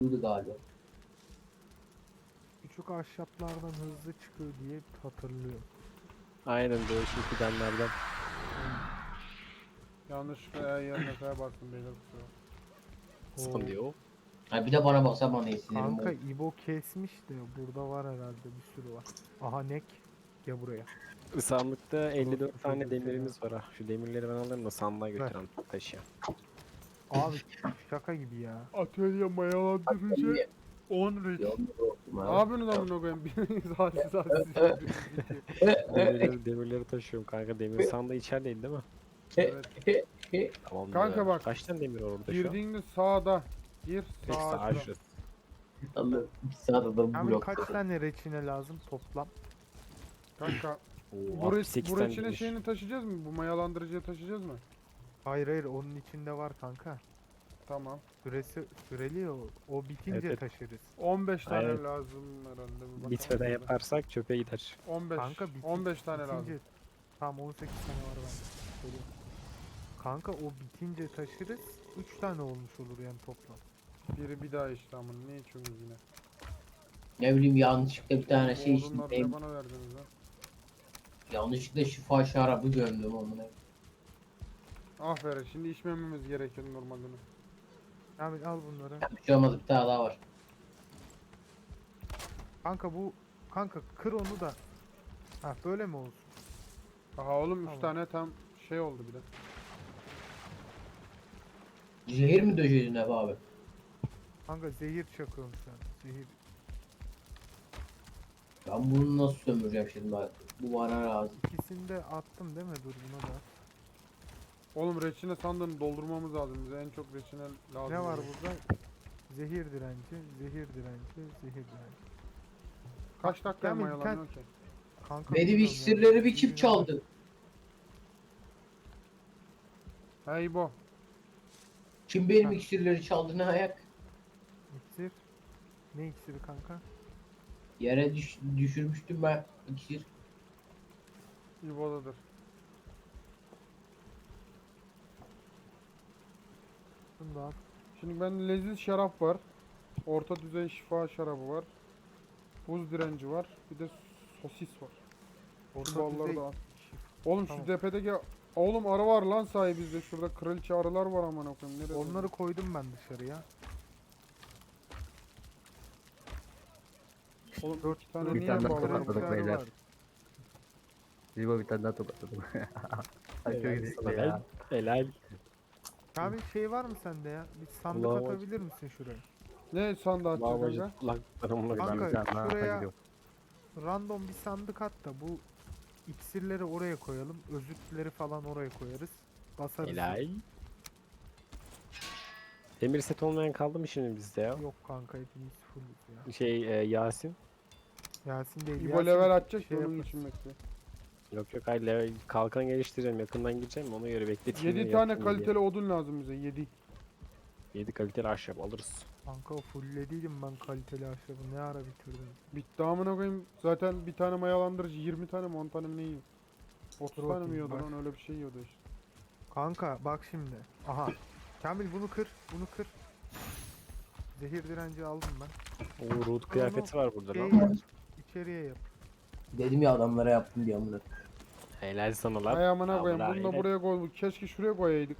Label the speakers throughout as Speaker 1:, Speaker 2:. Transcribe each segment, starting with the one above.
Speaker 1: Buydu galiba.
Speaker 2: Küçük ahşaplardan hızlı çıkıyor diye hatırlıyorum.
Speaker 3: Aynen değişik fidanlardan.
Speaker 4: Yanlışlıkla E yerine F bastım beyler kusura.
Speaker 3: Sıkıntı
Speaker 2: Oo.
Speaker 3: yok.
Speaker 1: Ha bir de bana baksa bana sinirim
Speaker 2: Kanka
Speaker 1: oldu.
Speaker 2: İbo kesmiş de burada var herhalde bir sürü var. Aha nek. Gel buraya.
Speaker 3: Sandıkta 54
Speaker 2: Orospu
Speaker 3: tane
Speaker 2: çocuğu
Speaker 3: demirimiz var ha. Şu demirleri ben alırım da sandığa
Speaker 2: Ver.
Speaker 3: götüreyim taşıyayım.
Speaker 2: Abi şaka gibi ya.
Speaker 4: Atölye mayalandırıcı 10 rich. Ne yapıyorsunuz amına koyayım? Biriniz halsiz halsiz. biriniz iki.
Speaker 3: Demirleri taşıyorum kanka. Demir sandığı içerideydi değil mi?
Speaker 4: Evet.
Speaker 3: Tamam.
Speaker 4: Kanka bak.
Speaker 3: Kaç tane demir var orada şu an?
Speaker 4: Girdiğinde sağda. Gir
Speaker 3: Tek
Speaker 4: sağ
Speaker 3: sağ
Speaker 4: açıda.
Speaker 3: şurası.
Speaker 1: Allah bir saat adam
Speaker 2: Abi
Speaker 1: blok.
Speaker 2: kaç tane reçine lazım toplam?
Speaker 4: Kanka
Speaker 3: Oo,
Speaker 4: bu
Speaker 3: 68 tane
Speaker 4: reçine
Speaker 3: demir.
Speaker 4: şeyini taşıyacağız mı? Bu mayalandırıcıyı taşıyacağız mı?
Speaker 2: Hayır hayır onun içinde var kanka.
Speaker 4: Tamam.
Speaker 2: Süreli ya o bitince
Speaker 3: Evet.
Speaker 2: taşırız.
Speaker 4: 15 tane
Speaker 3: Aynen.
Speaker 4: lazım herhalde. Bir bakalım
Speaker 3: Bitmeden
Speaker 4: şurada.
Speaker 3: yaparsak çöpe gider.
Speaker 4: 15.
Speaker 2: Kanka
Speaker 4: 15 tane
Speaker 2: bitince,
Speaker 4: lazım.
Speaker 2: Tamam 18 tane var bende. Söylüyorum. Kanka o bitince taşırız. 3 tane olmuş olur yani toplam.
Speaker 4: Biri bir daha işte amına. Ne içiyorsunuz yine?
Speaker 1: Ne bileyim yanlışlıkla bir tane
Speaker 4: Bu
Speaker 1: şey içtim.
Speaker 4: odunları ne bana verdiniz lan?
Speaker 1: Yanlışlıkla şifa şarabı gömdüm amına.
Speaker 4: Aferin. Şimdi içmememiz gerekiyor normalde.
Speaker 2: Abi al bunları.
Speaker 1: Bir şey olmaz bir tane daha var.
Speaker 2: Kanka kır onu da. Ha böyle mi olsun?
Speaker 4: Aha oğlum 3
Speaker 2: Tamam.
Speaker 4: tane tam şey oldu bir de.
Speaker 1: Zehir mi döşedin hep abi?
Speaker 2: Kanka zehir çakıyorum şu an. Zehir.
Speaker 1: Ben bunu nasıl sömüreceğim şimdi bak. Bu bana lazım.
Speaker 2: İkisini de attım değil mi? Dur buna da.
Speaker 4: Oğlum reçine sandığını doldurmamız lazım bize. En çok reçine lazım.
Speaker 2: Ne var
Speaker 4: bize.
Speaker 2: burada? Zehir direnci, zehir direnci, zehir direnci.
Speaker 4: Kaç dakika
Speaker 2: Yani
Speaker 4: mayalanıyor ki?
Speaker 2: Kanka
Speaker 1: Benim
Speaker 2: bilmiyorum
Speaker 1: iksirleri
Speaker 2: ya.
Speaker 1: bir kim çaldı?
Speaker 4: Hey bu.
Speaker 1: Kim benim
Speaker 2: Ha.
Speaker 1: iksirleri çaldı ne ayak?
Speaker 2: İksir. Ne iksiri kanka?
Speaker 1: Yere düşürmüştüm ben iksir.
Speaker 4: İbo'dadır.
Speaker 2: Bunu da al.
Speaker 4: Şimdi ben leziz şarap var. Orta düzey şifa şarabı var. Buz direnci var. Bir de sosis var.
Speaker 2: Orta
Speaker 4: Şu balları
Speaker 2: düzey
Speaker 4: da al.
Speaker 2: şif-
Speaker 4: Oğlum
Speaker 2: Tamam.
Speaker 4: şu tepedeki... Oğlum arı var lan sahibizde. Şurada kraliçe arılar var amına koyayım. Nerede?
Speaker 2: Onları koydum ben dışarıya.
Speaker 4: Oğlum
Speaker 2: 4
Speaker 4: iki tane
Speaker 5: Bir
Speaker 4: niye
Speaker 5: tane daha
Speaker 4: bağladın?
Speaker 5: topladık beyler. Zibo bir tane daha topladım. Ay çok
Speaker 3: Helal
Speaker 5: iyi
Speaker 3: sana
Speaker 5: ya.
Speaker 3: lan. Helal.
Speaker 2: Abi şey var mı sende ya? Bir sandık
Speaker 3: Allah'a
Speaker 2: atabilir misin şuraya?
Speaker 4: Ne sandığı atacak
Speaker 3: Lavacı
Speaker 4: kanka?
Speaker 3: kulaklarımla
Speaker 5: Ben
Speaker 2: Kanka,
Speaker 5: bir tane daha
Speaker 2: şuraya-
Speaker 5: gidiyorum.
Speaker 2: Random bir sandık at da bu iksirleri oraya koyalım. Özütleri falan oraya koyarız. Basarız.
Speaker 3: Helal. Demir set olmayan kaldı mı şimdi bizde ya?
Speaker 2: Yok kanka hepimiz fullüz ya.
Speaker 3: Yasin.
Speaker 2: Yasin değil.
Speaker 4: İbo
Speaker 2: Yasin
Speaker 4: level atacak
Speaker 2: şey
Speaker 4: ki onun
Speaker 2: yaparız.
Speaker 4: için bekliyor.
Speaker 3: Yok yok hayır kalkan geliştireceğim yakından gireceğim ona göre bekleteyim.
Speaker 4: 7 tane kaliteli odun lazım bize 7.
Speaker 3: 7 kaliteli ahşap alırız.
Speaker 2: Kanka fulllediydim ben kaliteli ahşabı. Ne ara bitirdim.
Speaker 4: Bitti amına koyayım. Zaten bir tane mayalandırıcı 20 tane mi 10 tane mi ne yiyor? 30
Speaker 2: Dur
Speaker 4: tane mi
Speaker 2: bakayım,
Speaker 4: yiyordu
Speaker 2: bak.
Speaker 4: lan öyle bir şey yiyordu işte.
Speaker 2: Kanka bak şimdi. Aha. Kamil bunu kır. Bunu kır. Zehir direnci aldım ben.
Speaker 3: O root kıyafeti var burada
Speaker 2: Şey
Speaker 3: lan.
Speaker 2: yap. İçeriye yap.
Speaker 1: Dedim ya adamlara yaptım diye amına.
Speaker 3: Helal sana lan.
Speaker 4: Ay amına
Speaker 3: Ya
Speaker 4: koyayım
Speaker 3: bravo,
Speaker 4: bunu da
Speaker 3: helal.
Speaker 4: buraya koy. Keşke şuraya koyaydık.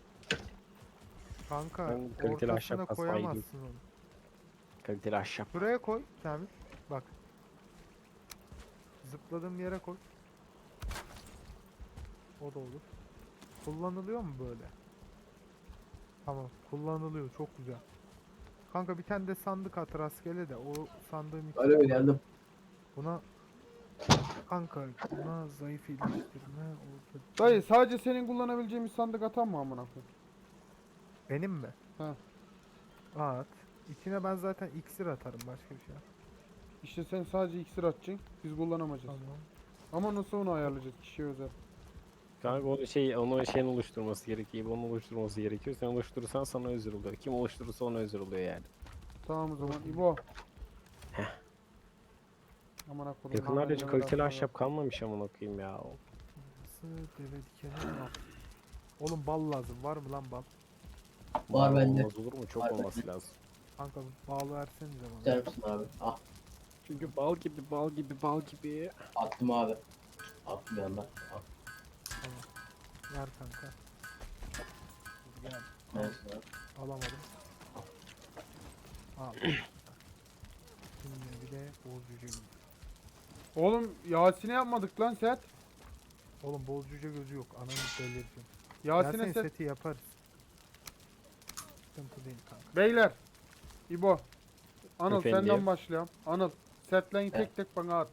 Speaker 2: Kanka
Speaker 3: Ben kaliteli
Speaker 2: ortasına
Speaker 3: ahşap basmayı
Speaker 2: koyamazsın onu.
Speaker 3: Kaliteli ahşap.
Speaker 2: Şuraya koy Kamil. Bak. Zıpladığım yere koy. O da olur. Kullanılıyor mu böyle? Tamam kullanılıyor çok güzel. Kanka bir tane de sandık at rastgele de o sandığın içine
Speaker 1: Öyle mi
Speaker 2: koy.
Speaker 1: geldim?
Speaker 2: Buna kanka buna zayıf iyileştirme orada.
Speaker 4: Dayı sadece senin kullanabileceğin bir sandık atan mı amına koyayım?
Speaker 2: Benim mi?
Speaker 4: Ha.
Speaker 2: At. İçine ben zaten iksir atarım başka bir şey.
Speaker 4: İşte sen sadece iksir atacaksın. Biz kullanamayacağız.
Speaker 2: Tamam.
Speaker 4: Ama nasıl onu ayarlayacağız kişiye özel.
Speaker 3: Kanka onu şeyin oluşturması gerekiyor. Onun oluşturması gerekiyor. Sen oluşturursan sana özür oluyor. Kim oluşturursa ona özür oluyor yani.
Speaker 4: Tamam o zaman İbo.
Speaker 3: Heh.
Speaker 4: Amına koyayım.
Speaker 3: Yakınlarda hiç kaliteli ahşap kalmamış amına koyayım ya.
Speaker 2: Nasıl deve dikeni al. Oğlum bal lazım. Var mı lan bal?
Speaker 1: Var bende.
Speaker 3: Olmaz olur mu? Çok
Speaker 1: Var
Speaker 3: olması
Speaker 1: bende.
Speaker 3: lazım.
Speaker 2: Kanka bağlı versenize bana.
Speaker 1: İster misin abi? Ah,
Speaker 3: Çünkü bal gibi bal gibi bal gibi.
Speaker 1: attım abi. Attım yandan. Ah,
Speaker 2: Tamam. Ver kanka. Dur gel.
Speaker 1: neyse abi.
Speaker 2: Alamadım. Al. Şimdi bir de boz cüce gözü.
Speaker 4: Oğlum Yasin'e yapmadık lan set.
Speaker 2: Oğlum boz cüce gözü yok. Ananı delireceğim.
Speaker 4: Yasin'e
Speaker 2: Yasin
Speaker 4: set.
Speaker 2: seti yaparız. Sıkıntı değil kanka.
Speaker 4: Beyler. İbo. Anıl
Speaker 3: Efendim?
Speaker 4: senden başlayalım. Anıl setleyin tek
Speaker 1: Evet.
Speaker 4: tek bana at.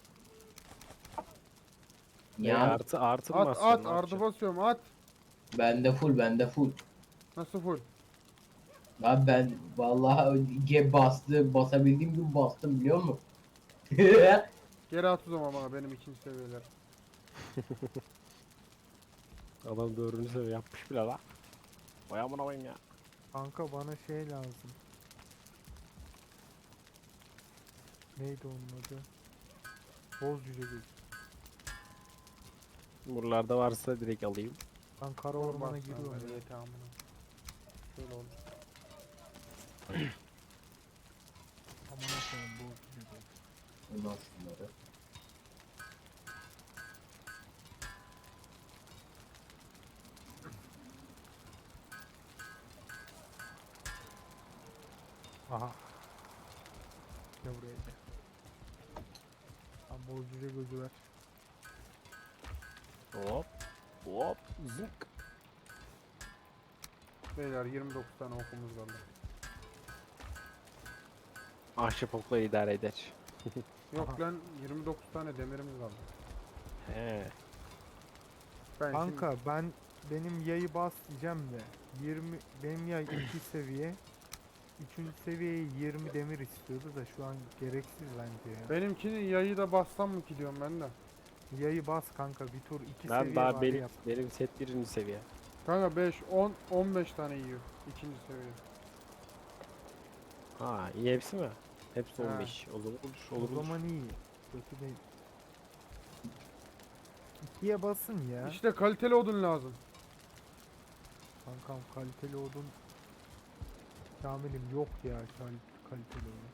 Speaker 3: Ya
Speaker 1: Ya
Speaker 3: artı mı
Speaker 4: At
Speaker 3: basacaksın,
Speaker 4: at
Speaker 3: ne
Speaker 4: ardı
Speaker 3: yapacaksın?
Speaker 4: basıyorum at.
Speaker 1: bende full, bende full.
Speaker 4: Nasıl full?
Speaker 1: Abi ben vallahi basabildiğim gibi bastım biliyor musun?
Speaker 4: Geri at o zaman bana benim ikinci seviyeler.
Speaker 3: Adam 4. seviye yapmış bile la. Vay amına koyayım ya.
Speaker 2: Kanka bana şey lazım. Neydi onun adı? Boz cüce gözü.
Speaker 3: Buralarda varsa direkt alayım.
Speaker 2: Ben kara
Speaker 4: Vur
Speaker 2: ormana
Speaker 4: bas
Speaker 2: giriyorum
Speaker 4: lan,
Speaker 2: ya.
Speaker 4: iyi, tamam. Şöyle oldu.
Speaker 2: Amına koyayım boz cüce gözü.
Speaker 1: Ondan şunları.
Speaker 2: Aha. Gel buraya gel. Tam boz cüce gözü ver.
Speaker 3: Hop. Hop. Zık.
Speaker 4: Beyler 29 tane okumuz kaldı.
Speaker 3: Ahşap okla idare eder.
Speaker 4: Yok
Speaker 2: Aha.
Speaker 4: lan 29 tane demirimiz kaldı.
Speaker 3: He.
Speaker 4: Ben
Speaker 2: Kanka benim yayı bas diyeceğim de 20 benim yay 2 seviye 3. seviyeye 20 demir istiyordu da şu an gereksiz bence ya.
Speaker 4: benimkini yayı da bassam mı ki diyorum ben de.
Speaker 2: Yayı bas kanka bir tur 2
Speaker 3: Ben
Speaker 2: seviye
Speaker 3: daha
Speaker 2: var
Speaker 3: benim,
Speaker 2: yap.
Speaker 3: benim set 1. seviye.
Speaker 4: Kanka 5, 10, 15 tane yiyor. İkinci seviye.
Speaker 3: Ha iyi hepsi mi? Hepsi
Speaker 4: Ha.
Speaker 3: 15. O zaman olur.
Speaker 2: O
Speaker 3: Olur.
Speaker 2: zaman iyi. Kötü değil. 2'ye basın ya.
Speaker 4: İşte kaliteli odun lazım.
Speaker 2: Kankam kaliteli odun Kamil'im yok ya kaliteli odun.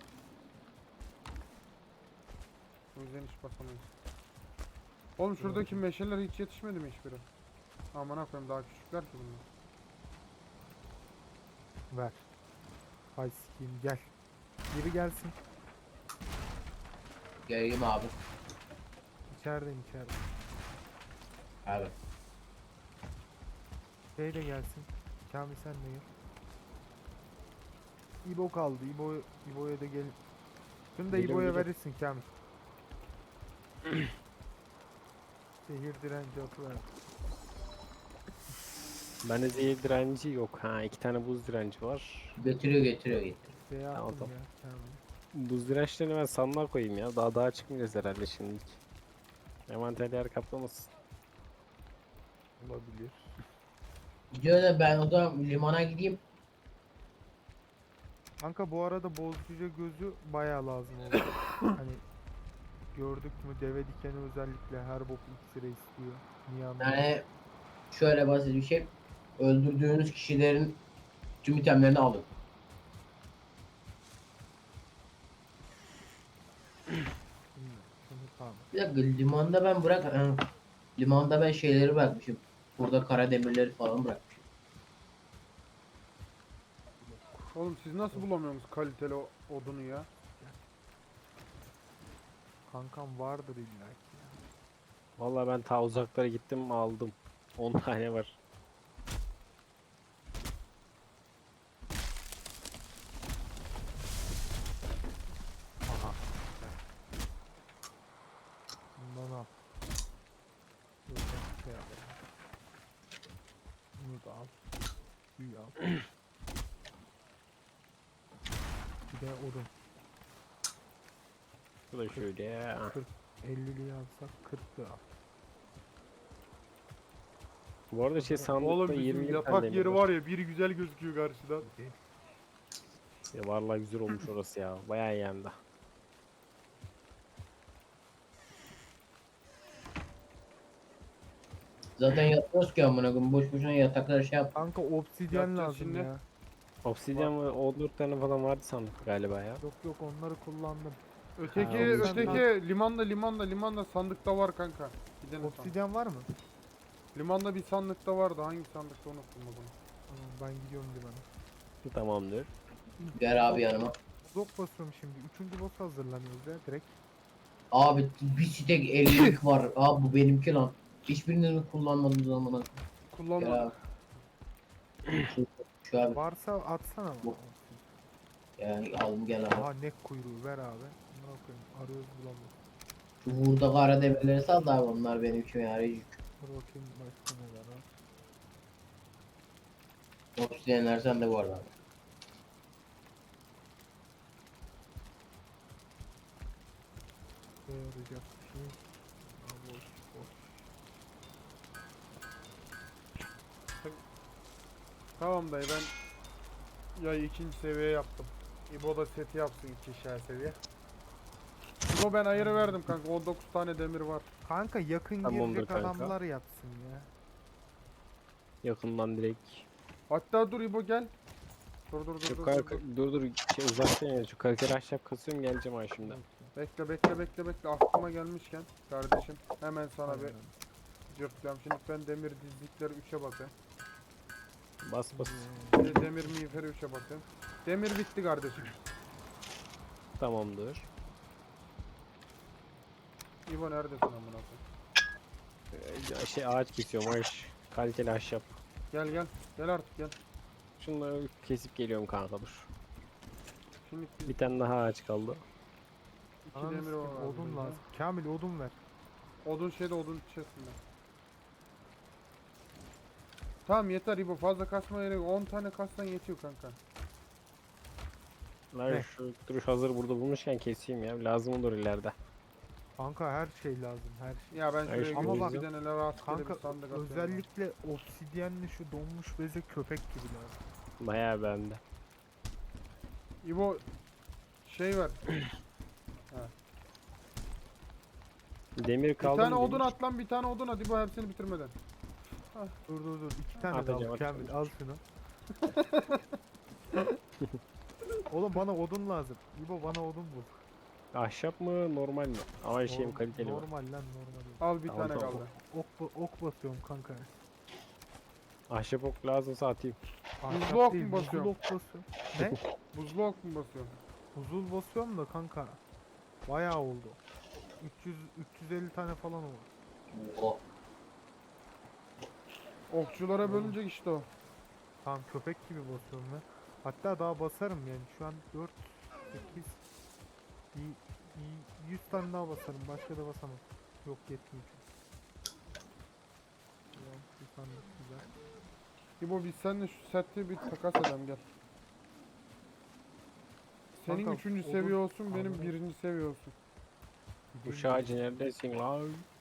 Speaker 4: O yüzden hiç basamayız. Oğlum şuradaki meşeler hiç yetişmedi mi hiçbiri? Aman koyayım daha küçükler ki bunlar.
Speaker 2: Ver. Hay sikiyim gel. Biri gelsin.
Speaker 1: Geleyim abi.
Speaker 2: İçerideyim içeride.
Speaker 1: Abi.
Speaker 2: Şey de gelsin. Kamil sen de gel. İbo kaldı. İbo'ya da gelin. Şunu da
Speaker 3: Geliyorum,
Speaker 2: İbo'ya
Speaker 3: geliyorum.
Speaker 2: verirsin Kamil. Şehir direnci atı ver.
Speaker 3: Bende zehir direnci yok. Ha 2 tane buz direnci var.
Speaker 1: Getiriyor.
Speaker 2: Şey
Speaker 3: Tamam,
Speaker 2: yaptım
Speaker 3: tamam.
Speaker 2: ya Kamil.
Speaker 3: Buz dirençlerini ben sandığa koyayım ya. Daha çıkmayacağız herhalde şimdilik. Envanter yer kaplamasın.
Speaker 2: Olabilir.
Speaker 1: Gidiyor da ben o zaman limana gideyim.
Speaker 2: Kanka bu arada bozucuca gözü bayağı lazım oldu. Hani gördük mü deve dikeni özellikle her bok iksiri istiyor. Niye anlamadım.
Speaker 1: Yani şöyle basit bir şey. Öldürdüğünüz kişilerin tüm itemlerini alın.
Speaker 2: Şunu tamam.
Speaker 1: Bir dakika limanda ben limanda ben şeyleri bırakmışım. Burada kara demirleri falan bırakmışım.
Speaker 4: Oğlum siz nasıl bulamıyorsunuz kaliteli odunu ya?
Speaker 2: Kankam vardır illa ki ya.
Speaker 3: Vallahi ben ta uzaklara gittim aldım. 10 tane var.
Speaker 2: Aha. Bundan al. Buradan şey alalım. Bunu da al. Büyü al. Bir de odun.
Speaker 3: Bu da şöyle ya.
Speaker 2: 50'liği alsak 40 lira.
Speaker 3: Bu arada şey sandıkta
Speaker 4: Oğlum
Speaker 3: 20
Speaker 4: bizim
Speaker 3: tane
Speaker 4: yatak
Speaker 3: demir
Speaker 4: yeri var ya biri güzel gözüküyor karşıdan.
Speaker 3: Ya vallahi güzel olmuş orası ya. Bayağı iyi hem de.
Speaker 1: Zaten yatıyoruz ki amına koyayım. Boş boşuna yatakları şey yap.
Speaker 2: Kanka obsidyen
Speaker 4: Yapacağız
Speaker 2: lazım
Speaker 4: şimdi.
Speaker 2: ya.
Speaker 3: Obsidyen ve 14 tane falan vardı sandık galiba ya.
Speaker 2: Yok yok, onları kullandım.
Speaker 4: Öteki
Speaker 3: Ha, o yüzden
Speaker 4: öteki limanda sandıkta var kanka. Gidelim sandık.
Speaker 2: Obsidyen var mı?
Speaker 4: Limanda bir sandıkta vardı. Hangi sandıkta unuttum o zaman.
Speaker 2: Tamam, ben gidiyorum limana.
Speaker 3: Tamamdır.
Speaker 1: Gel abi yanıma.
Speaker 2: Blok basıyorum şimdi. Üçüncü boss hazırlanıyoruz ya direkt.
Speaker 1: Abi bir stek 50'lik var. Abi bu benimki lan. Hiçbirini kullanmadım zaman.
Speaker 4: Kullanmadım.
Speaker 1: Gel abi. Şu abi.
Speaker 2: Varsa atsana bana.
Speaker 1: Bu- Yani aldım gel abi.
Speaker 2: Aha ne kuyruğu ver abi. Ne koyayım, arıyoruz bulamıyoruz.
Speaker 1: Şu burada kara demirleri sal da abi, onlar benim için yarayacak.
Speaker 2: Dur bakayım başka ne var ha.
Speaker 1: Obsidyenler sende bu arada.
Speaker 2: Ne yarayacak bir şey. Aa, boş boş.
Speaker 4: Tamam dayı, ben yayı ikinci seviye yaptım. İbo da seti yapsın ikişer seviye. İbo ben ayarı verdim kanka. 19 tane demir var.
Speaker 2: Kanka yakın
Speaker 3: Tamamdır
Speaker 2: girecek
Speaker 3: kanka.
Speaker 2: adamlar yapsın ya.
Speaker 3: Yakından direkt.
Speaker 4: Hatta dur İbo gel. Dur.
Speaker 3: Şu dur şey uzaktan ya, şu kaliteli ahşap kasıyorum, geleceğim ha şimdi.
Speaker 4: Bekle. Aklıma gelmişken kardeşim hemen sana bir
Speaker 2: Aynen.
Speaker 4: cırtlayayım. Şimdi ben demir dizlikleri 3'e basayım.
Speaker 3: Bas.
Speaker 4: Demir miğferi 3'e basayım. Demir bitti kardeşim.
Speaker 3: Tamamdır.
Speaker 4: İbo neredesin amına koyayım?
Speaker 3: Şey ağaç kesiyorum, ağaç. Kaliteli ahşap.
Speaker 4: Gel artık gel.
Speaker 3: Şunları kesip geliyorum kanka, dur.
Speaker 4: Şimdi
Speaker 3: Bir tane daha ağaç kaldı.
Speaker 4: iki
Speaker 2: Ananı
Speaker 4: demir var.
Speaker 2: sikeyim, odun
Speaker 4: bizde.
Speaker 2: lazım. Kamil odun ver.
Speaker 4: Odun odun içerisinde. Tamam yeter İbo, fazla kasma gerek yok. 10 tane kastan yetiyor kanka.
Speaker 3: Lan
Speaker 2: Ne?
Speaker 3: şu duruş hazır burada bulmuşken keseyim ya. Lazım olur ileride.
Speaker 2: Kanka her şey lazım, her şey.
Speaker 4: Ya ben
Speaker 3: Ay,
Speaker 4: şuraya
Speaker 3: ama
Speaker 4: gidip
Speaker 2: bak,
Speaker 4: bir tane rastgele
Speaker 2: Kanka
Speaker 4: bir sandık atıyorum.
Speaker 2: özellikle obsidyenli şu donmuş beze köpek gibi lazım.
Speaker 3: Bayağı bende.
Speaker 4: İbo şey ver.
Speaker 3: Demir
Speaker 4: Bir
Speaker 3: kaldı
Speaker 4: tane
Speaker 3: mı
Speaker 4: odun
Speaker 3: demir?
Speaker 4: at lan, bir tane odun at İbo, hepsini bitirmeden.
Speaker 2: Dur. İki tane
Speaker 3: Atacağım,
Speaker 2: kaldı
Speaker 3: atacağım.
Speaker 2: Kamil, al şunu. Oğlum bana odun lazım. İbo bana odun bul.
Speaker 3: Ahşap mı normal mi? Ama şeyim
Speaker 2: Norm-
Speaker 3: kaliteli mi?
Speaker 2: Normal lan normal.
Speaker 4: Al bir
Speaker 3: Tamam,
Speaker 4: tane
Speaker 3: tamam.
Speaker 4: kaldı.
Speaker 2: Ok basıyorum kanka.
Speaker 3: Ahşap ok lazımsa atayım.
Speaker 2: Ahşap
Speaker 4: ok
Speaker 2: değil,
Speaker 4: mu
Speaker 2: buzul
Speaker 4: basıyorum?
Speaker 2: ok basıyorum. Ne?
Speaker 4: Buzlu ok mu basıyorsun?
Speaker 2: Buzul basıyorum da kanka. Bayağı oldu. 350 tane falan oldu.
Speaker 1: O.
Speaker 4: Okçulara bölünecek işte o.
Speaker 2: Tamam köpek gibi basıyorum ben. Hatta daha basarım yani şu an 4, 8, 100 tane daha basarım. Başka da basamam. Yok yetmiyor çünkü. Tamam, bir tane güzel.
Speaker 4: İbo biz seninle şu sette bir takas edelim gel. Senin
Speaker 2: Kanka,
Speaker 4: 3.
Speaker 2: odun-
Speaker 4: seviye olsun, benim
Speaker 2: Anladım.
Speaker 4: 1. seviye olsun.
Speaker 3: Bu şarjı neredesin lan?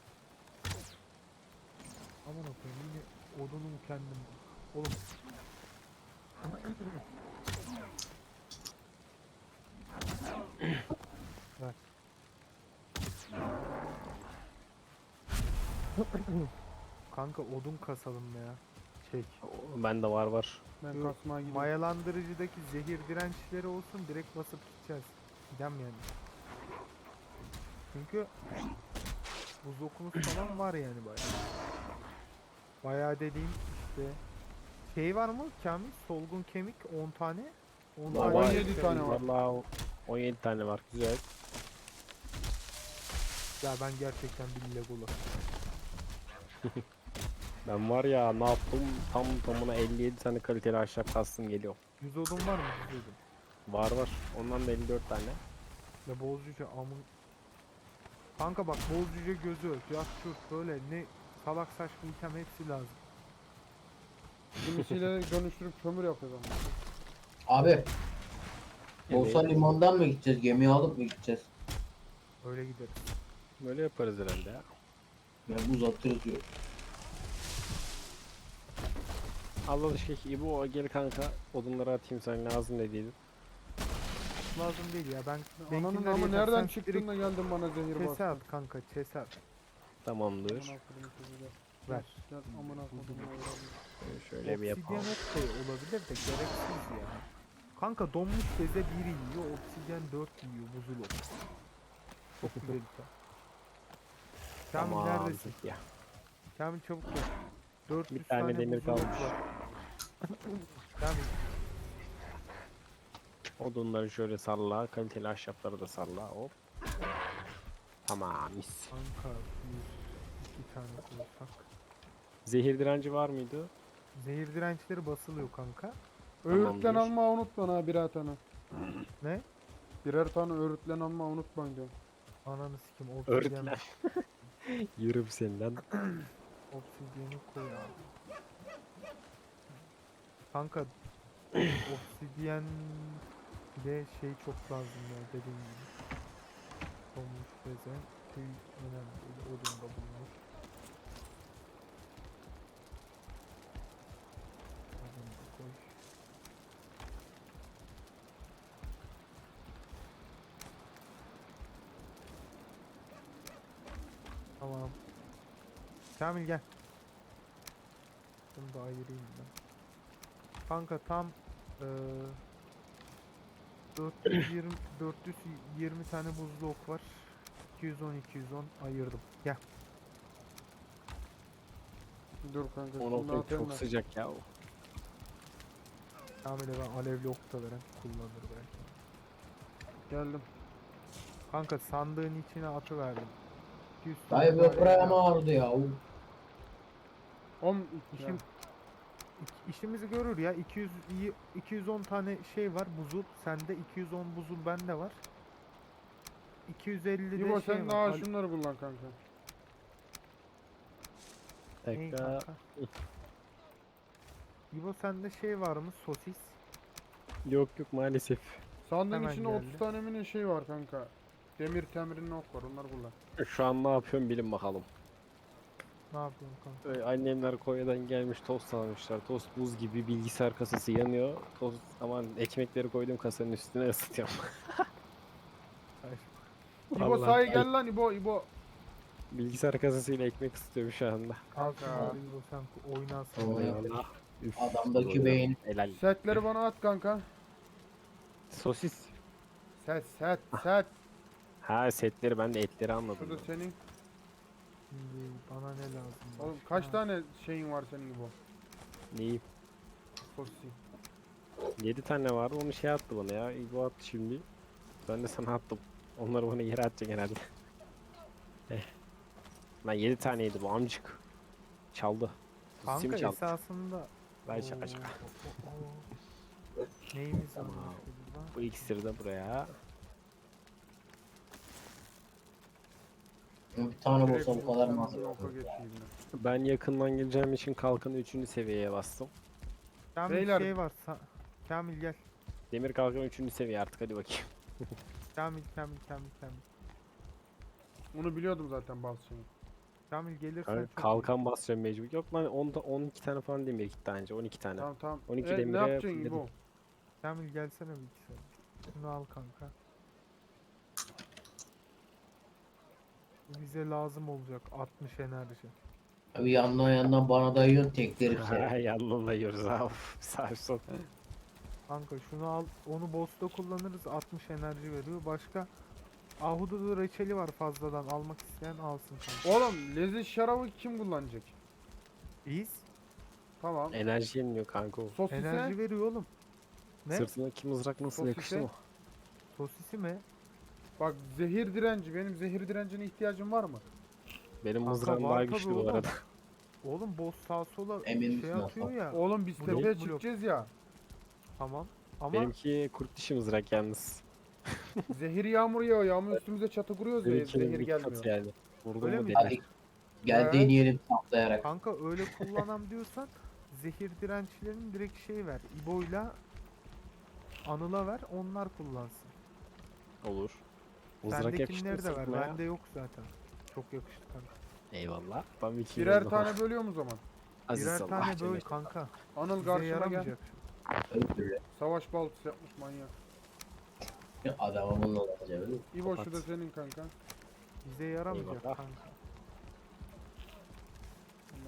Speaker 2: Aman okuyayım yine odunumu kendim. Oğlum. Ver. Kanka odun kasalım ya. Çek.
Speaker 3: Bende var.
Speaker 4: Ben
Speaker 2: Şu
Speaker 4: kasmaya gidiyorum.
Speaker 2: Mayalandırıcıdaki zehir dirençleri olsun, direkt basıp gideceğiz. Gidem yani. Çünkü buz okumuz falan var yani bayağı. Bayağı dediğim işte şey var mı Kamil? Solgun kemik 10 tane. 10
Speaker 1: Var,
Speaker 2: tane
Speaker 4: 17
Speaker 2: şey-
Speaker 4: tane var.
Speaker 3: Vallahi 17 tane var, güzel.
Speaker 2: Ya ben gerçekten bir Legolas.
Speaker 3: Ben var ya ne yaptım, tam tamına 57 tane kaliteli ahşap kastım geliyor.
Speaker 2: 100 odun var mı? 100 odun.
Speaker 3: Var. Ondan da 54 tane.
Speaker 2: Ya boz cüce amın. Kanka bak boz cüce gözü, cahçurt böyle ne salak saçma item hepsi lazım.
Speaker 4: Kimisiyle dönüştürüp kömür yapacağız ama.
Speaker 1: Abi. Olsa
Speaker 3: Evet.
Speaker 1: limandan mı gideceğiz? Gemiyi alıp mı gideceğiz?
Speaker 2: Öyle gideriz.
Speaker 3: Böyle yaparız herhalde ya.
Speaker 1: Yani uzatırız diyor.
Speaker 3: Allah aşkına İbo gel kanka, odunları atayım, sen lazım dediydin.
Speaker 2: Lazım değil ya ben
Speaker 4: Ananın
Speaker 2: benimkiler
Speaker 4: amı
Speaker 2: yeter.
Speaker 4: nereden
Speaker 2: Sen
Speaker 4: çıktın
Speaker 2: direkt
Speaker 4: da geldin bana zehir
Speaker 2: Çese
Speaker 4: bastın.
Speaker 2: at kanka çese at.
Speaker 3: Tamamdır.
Speaker 4: Amına koydum sizi de.
Speaker 2: Ver.
Speaker 4: Gel amına koydum.
Speaker 3: Şöyle bir
Speaker 2: Obsidyen
Speaker 3: yapalım.
Speaker 2: ok da olabilir de gereksiz ya. Kanka donmuş beze 1 yiyor, obsidyen 4 yiyor, buzul ok. Çok güzel bir tane. Kamil
Speaker 3: Tamam.
Speaker 2: neredesin?
Speaker 3: Ya.
Speaker 2: Kamil çabuk gel. 400
Speaker 3: Bir tane demir
Speaker 2: buzul ok
Speaker 3: kalmış.
Speaker 2: var. Kamil
Speaker 3: Odunları şöyle salla. Kaliteli ahşapları da salla. Hop. Tamam mis.
Speaker 2: kanka 2 tane koysak.
Speaker 3: Zehir direnci var mıydı?
Speaker 2: Zehir dirençleri basılıyor kanka.
Speaker 4: Öğütlen
Speaker 3: Tamamdır.
Speaker 4: alma unutma ha birer tane.
Speaker 2: Ne?
Speaker 4: Birer tane öğütlen alma unutmayın diyorum.
Speaker 2: Ananı sikim obsidyen.
Speaker 3: Öğretmen. Yürüm senden.
Speaker 2: Obsidyeni koy abi. Kanka obsidyen de şey çok lazım ya dediğim gibi. Donmuş beze, tüy önemli değil, odun da bulunur. Odun da koy. Tamam. Kamil gel. Bunu da ayırayım ben. Kanka tam 420 tane buzlu ok var. 210 ayırdım. Gel.
Speaker 4: Dur kanka.
Speaker 3: O
Speaker 4: şunu
Speaker 3: nokta
Speaker 4: atayım
Speaker 3: çok
Speaker 4: da.
Speaker 3: sıcak ya.
Speaker 2: Kamil'e ben alevli ok da veren kullanır belki.
Speaker 4: Geldim.
Speaker 2: Kanka sandığın içine atıverdim. 200
Speaker 1: Dayı
Speaker 2: tane
Speaker 1: bu buraya
Speaker 2: alevli
Speaker 1: mı
Speaker 2: ok.
Speaker 1: ağrıdı ya?
Speaker 2: İşim, işimizi görür ya. 210 tane şey var buzul. Sende 210 buzul bende var. 250 de
Speaker 4: İbo
Speaker 2: şey
Speaker 4: sen
Speaker 2: var.
Speaker 4: daha şunları kullan kanka.
Speaker 2: Neyi
Speaker 3: Tekrar.
Speaker 2: kanka? İbo sende şey var mı? Sosis.
Speaker 3: Yok yok maalesef.
Speaker 4: Sandığın
Speaker 2: Hemen
Speaker 4: içinde
Speaker 2: geldi.
Speaker 4: 30 tane mi ne şey var kanka. Demir temirinin ok var onları kullan.
Speaker 3: Şu an ne yapıyorum bilin bakalım.
Speaker 2: Ne yapıyorsun kanka?
Speaker 3: Annemler Konya'dan gelmiş tost almışlar. Tost buz gibi bilgisayar kasası yanıyor. Tost aman ekmekleri koydum kasanın üstüne ısıtıyorum.
Speaker 2: Hayır.
Speaker 4: İbo
Speaker 3: Vallahi
Speaker 4: sahi gel lan İbo.
Speaker 3: bilgisayar kasasıyla ekmek ısıtıyorum şu anda.
Speaker 2: Kanka.
Speaker 4: Kanka.
Speaker 2: İbo sen oynarsın.
Speaker 1: Oy.
Speaker 3: Eyvallah. Üf,
Speaker 1: Adamdaki
Speaker 3: doyuyorum.
Speaker 1: beyin.
Speaker 3: Helal.
Speaker 4: Setleri bana at kanka.
Speaker 3: Sosis.
Speaker 4: Set.
Speaker 3: Ha setleri ben de etleri anladım.
Speaker 4: Şurada
Speaker 3: ya.
Speaker 4: senin.
Speaker 2: Şimdi bana ne lazım?
Speaker 4: Oğlum
Speaker 2: başka?
Speaker 4: kaç tane şeyin var senin İbo?
Speaker 3: Neyi?
Speaker 4: Sosisi.
Speaker 3: 7 tane vardı onu şey attı bana ya. İbo attı şimdi. Ben de sana attım. Onları bana yere atacak herhalde. Lan 7 taneydi bu amcık. Çaldı. Sosisimi
Speaker 2: Kanka
Speaker 3: çaldı.
Speaker 2: esasında
Speaker 3: Ben şaka şaka.
Speaker 2: Neyimiz var
Speaker 3: Tamam.
Speaker 2: başka burada?
Speaker 3: Bu iksiri de buraya.
Speaker 1: Bir tane
Speaker 4: Direkt
Speaker 1: bulsa bu kadar
Speaker 4: sen
Speaker 1: malzeme
Speaker 4: bir
Speaker 1: olur.
Speaker 4: oka geçeyim ben.
Speaker 3: Ben yakından geleceğim için kalkanı 3. seviyeye bastım.
Speaker 2: Kamil
Speaker 4: Beyler-
Speaker 2: şey var. Kamil gel.
Speaker 3: Demir kalkan 3. seviye artık hadi bakayım.
Speaker 2: Kamil.
Speaker 4: Onu biliyordum zaten bazı şeyi.
Speaker 2: Kamil gelirsen
Speaker 3: Kanka,
Speaker 2: çok iyi.
Speaker 3: kalkan basacağım mecbur. Yok lan 12 tane falan demir gitti anca 12 tane.
Speaker 4: Tamam.
Speaker 3: 12
Speaker 4: Ne
Speaker 3: demire
Speaker 4: yapacaksın
Speaker 3: fulledim.
Speaker 4: İbo?
Speaker 2: Kamil gelsene bilgisayara. Şunu al kanka. Bu bize lazım olacak 60 enerji.
Speaker 1: Bir yandan bana dayıyorsun teklerim
Speaker 3: Ha
Speaker 1: seni.
Speaker 3: yallalıyoruz ha. Of, sağ sol.
Speaker 2: Kanka şunu al, onu boss'ta kullanırız 60 enerji veriyor. Başka ahududu reçeli var fazladan almak isteyen alsın kanka.
Speaker 4: Oğlum lezzet şarabı kim kullanacak?
Speaker 2: Biz
Speaker 4: Tamam.
Speaker 3: Enerji yeniliyor kanka o.
Speaker 4: Sosise.
Speaker 2: enerji veriyor oğlum. Ne?
Speaker 3: Sırtındaki mızrak nasıl
Speaker 4: Sosise.
Speaker 3: yakıştı mı?
Speaker 2: Sosisi mi?
Speaker 4: Bak zehir direnci. Benim zehir direncine ihtiyacım var mı?
Speaker 3: Benim
Speaker 2: Kanka
Speaker 3: mızrağım
Speaker 2: var
Speaker 3: daha
Speaker 2: tabii
Speaker 3: güçlü bu
Speaker 2: oğlum.
Speaker 3: arada.
Speaker 2: Oğlum boss sağa sola
Speaker 1: Emin
Speaker 2: şey
Speaker 1: misin
Speaker 2: atıyor
Speaker 1: Hasan?
Speaker 2: ya.
Speaker 4: Oğlum biz
Speaker 2: Blok,
Speaker 4: tepeye
Speaker 2: blok.
Speaker 4: çıkacağız ya.
Speaker 2: Tamam. Ama
Speaker 3: Benimki kurt dişi mızrak yalnız.
Speaker 4: Zehir yağmur yağıyor. Yağmur üstümüze çatı kuruyoruz ya.
Speaker 3: Benimkinin
Speaker 4: Zehir
Speaker 3: bir
Speaker 4: gelmiyor.
Speaker 3: katı yani. Vurdum
Speaker 2: Öyle
Speaker 3: mu
Speaker 2: mi?
Speaker 3: deli.
Speaker 1: Hadi gel deneyelim saplayarak.
Speaker 2: kanka öyle kullanam diyorsan zehir dirençlerini direkt şey ver. İbo'yla Anıl'a ver onlar kullansın.
Speaker 3: Olur. Mızrak yakıştı mı
Speaker 2: Sendekileri de ver.
Speaker 3: sırtıma ya?
Speaker 2: Bende yok zaten. Çok yakıştı kanka.
Speaker 3: Eyvallah. Tam 2
Speaker 4: Birer tane bölüyorum o zaman.
Speaker 2: Birer tane böyle kanka.
Speaker 4: Anıl
Speaker 2: Bize
Speaker 4: karşıma gel.
Speaker 2: yaramayacak.
Speaker 1: Öyle.
Speaker 4: Savaş baltası yapmış manyak.
Speaker 1: Adamı bununla olacak öyle mi?
Speaker 4: İbo
Speaker 3: Kapat.
Speaker 4: şu da senin kanka.
Speaker 2: Bize yaramayacak
Speaker 3: Eyvallah.
Speaker 2: kanka.
Speaker 4: Bunları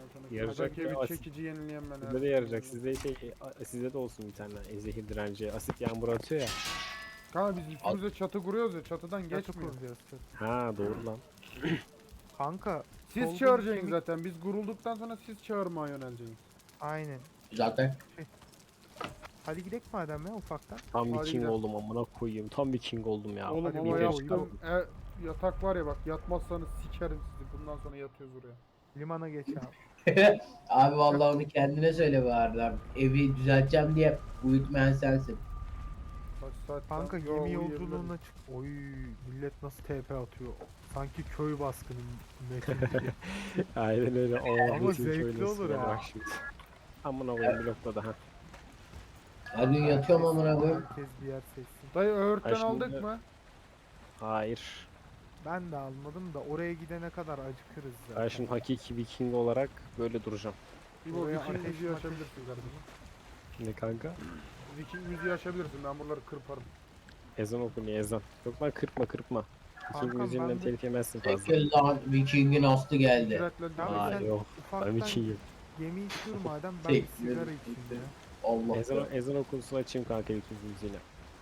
Speaker 4: sonra.
Speaker 3: Yarayacak
Speaker 4: Kazak
Speaker 3: ya,
Speaker 4: bir
Speaker 3: asit.
Speaker 4: çekici yenileyen ben.
Speaker 3: Sizde de yarayacak. Sizde de olsun bir tane zehir direnci. Asit yağmur atıyor ya.
Speaker 4: Kanka biz üstümüze çatı kuruyoruz ya çatıdan
Speaker 2: Çatı
Speaker 4: geçmiyor.
Speaker 2: kuracağız çatı.
Speaker 3: Ha doğru lan.
Speaker 2: Kanka
Speaker 4: Siz
Speaker 2: solgun
Speaker 4: çağıracaksınız
Speaker 2: kemik-
Speaker 4: zaten. Biz gurulduktan sonra siz çağırmaya yöneleceksiniz.
Speaker 2: Aynen.
Speaker 1: Zaten
Speaker 2: Hadi gidelim madem ya ufaktan.
Speaker 3: Tam bir
Speaker 4: Hadi
Speaker 3: king
Speaker 4: gidelim.
Speaker 3: oldum amına koyayım. Tam bir king oldum ya.
Speaker 4: Oğlum
Speaker 2: hadi
Speaker 4: ama
Speaker 2: bir
Speaker 4: yaptım. Yatak var ya bak yatmazsanız sikerim sizi. Bundan sonra yatıyoruz oraya.
Speaker 2: Limana geç abi.
Speaker 1: abi vallahi onu kendine söyle bari lan. Evi düzelteceğim diye uyutmayan sensin.
Speaker 4: Kaç saat
Speaker 2: Kanka
Speaker 4: Yo,
Speaker 2: gemi
Speaker 4: uyuyabilirim.
Speaker 2: yolculuğuna çık. Oy millet nasıl TP atıyor. Sanki köy baskını metin gibi.
Speaker 3: Aynen öyle. Oo,
Speaker 2: Ama
Speaker 3: bütün
Speaker 2: zevkli
Speaker 3: köylü
Speaker 2: olur
Speaker 3: sıra
Speaker 2: ha.
Speaker 3: Bak şimdi. Amına koyayım blokladı ha.
Speaker 1: Her gün yatıyorum amına koyayım.
Speaker 2: Herkes bir yer seçsin.
Speaker 4: Dayı öğürtten
Speaker 3: şimdi-
Speaker 4: aldık mı?
Speaker 3: Hayır.
Speaker 2: Ben de almadım da oraya gidene kadar acıkırız zaten.
Speaker 3: Ben şimdi hakiki bir king olarak böyle duracağım.
Speaker 4: İbo
Speaker 2: Oraya
Speaker 4: Viking
Speaker 2: ateş
Speaker 4: müziği
Speaker 2: mateş-
Speaker 4: açabilirsin kardeşim.
Speaker 3: Ne kanka?
Speaker 4: Viking müziği açabilirsin. Ben buraları kırparım.
Speaker 3: Ezan okunuyor ezan. Yok lan kırpma. King
Speaker 2: Kankam,
Speaker 3: müziğinden
Speaker 2: ben de-
Speaker 3: telif yemezsin fazla.
Speaker 1: Çekil lan Viking'in astı geldi.
Speaker 4: Ücretle
Speaker 2: Tamam,
Speaker 3: Aa
Speaker 2: sen
Speaker 3: yok. Ben
Speaker 2: ufaktan
Speaker 3: bir kingim.
Speaker 2: gemiyi sür madem ben bir
Speaker 1: Tek-
Speaker 2: sigara içeyim ya.
Speaker 1: Allah.
Speaker 3: Ezan okunsun açayım kanka Viking müziğini.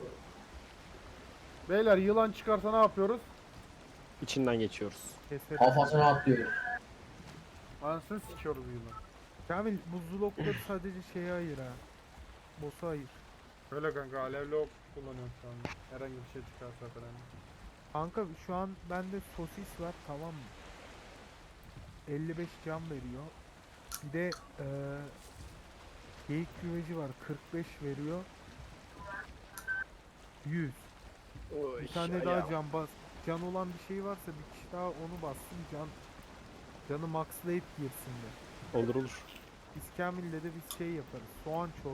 Speaker 4: Beyler yılan çıkarsa ne yapıyoruz?
Speaker 3: İçinden geçiyoruz.
Speaker 2: Keserim.
Speaker 1: Kafasına atlıyoruz.
Speaker 4: Anasını sikiyoruz yılan.
Speaker 2: Kamil bu zulokları sadece şeye ayır ha. Boss'a ayır.
Speaker 4: Öyle kanka alevli ok kullanıyorum şu an. Herhangi bir şey çıkarsa falan.
Speaker 2: Kanka şu an bende sosis var tamam mı? 55 can veriyor. Bir de geyik güveci var 45 veriyor. 100. Bir tane daha can bas. Can olan bir şey varsa bir kişi daha onu bassın canı maxlayıp girsin de.
Speaker 3: Olur.
Speaker 2: Biz Kamil'le de biz şey yaparız. Soğan çorbası.